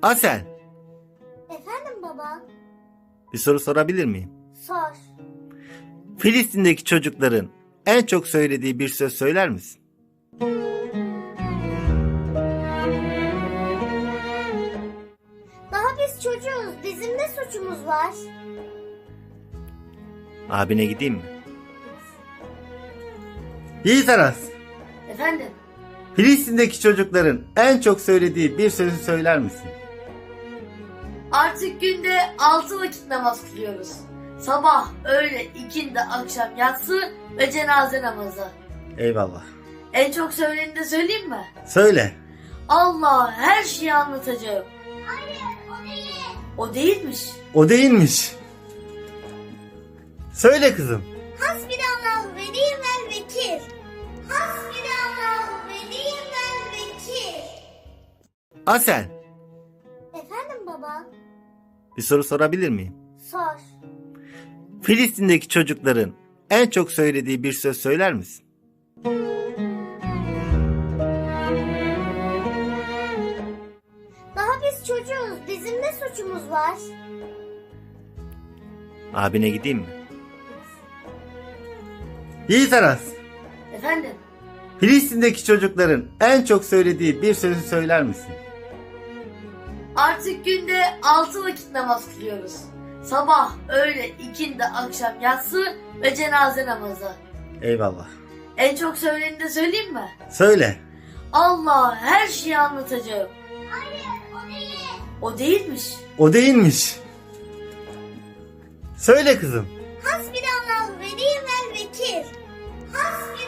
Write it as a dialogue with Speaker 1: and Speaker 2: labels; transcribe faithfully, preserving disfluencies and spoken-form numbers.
Speaker 1: Asel,
Speaker 2: Efendim baba?
Speaker 1: bir soru sorabilir miyim?
Speaker 2: Sor.
Speaker 1: Filistin'deki çocukların en çok söylediği bir söz söyler misin?
Speaker 2: Daha biz çocuğuz. Bizim ne suçumuz var?
Speaker 1: Abine gideyim mi? Yiğit Aras,
Speaker 3: Efendim,
Speaker 1: Filistin'deki çocukların en çok söylediği bir sözü söyler misin?
Speaker 3: artık günde altı vakit namaz kılıyoruz. Sabah, öğle, ikindi, akşam, yatsı ve cenaze namazı.
Speaker 1: Eyvallah.
Speaker 3: En çok söyleneni de söyleyeyim mi?
Speaker 1: Söyle.
Speaker 3: Allah her şeyi anlatacağım.
Speaker 2: Hayır, o değil.
Speaker 3: O değilmiş.
Speaker 1: O değilmiş. Söyle kızım.
Speaker 2: Hasbinallah ve ni'mel vekil. Hasbinallah ve ni'mel vekil.
Speaker 1: Asel,
Speaker 2: Efendim baba?
Speaker 1: bir soru sorabilir miyim?
Speaker 2: Sor.
Speaker 1: Filistin'deki çocukların en çok söylediği bir söz söyler misin?
Speaker 2: Daha biz çocuğuz. Bizim ne suçumuz var?
Speaker 1: Abine gideyim mi? Yiğit Aras,
Speaker 3: Efendim,
Speaker 1: Filistin'deki çocukların en çok söylediği bir sözü söyler misin?
Speaker 3: artık günde altı vakit namaz kılıyoruz. Sabah, öğle, ikindi, akşam, yatsı ve cenaze namazı.
Speaker 1: Eyvallah.
Speaker 3: En çok söyleneni de söyleyeyim mi?
Speaker 1: Söyle.
Speaker 3: Allah her şeyi anlatacağım.
Speaker 2: Hayır, o değil.
Speaker 3: O değilmiş.
Speaker 1: O değilmiş. Söyle kızım.
Speaker 2: Hasbinallah ve ni'mel vekil. Hasbinallah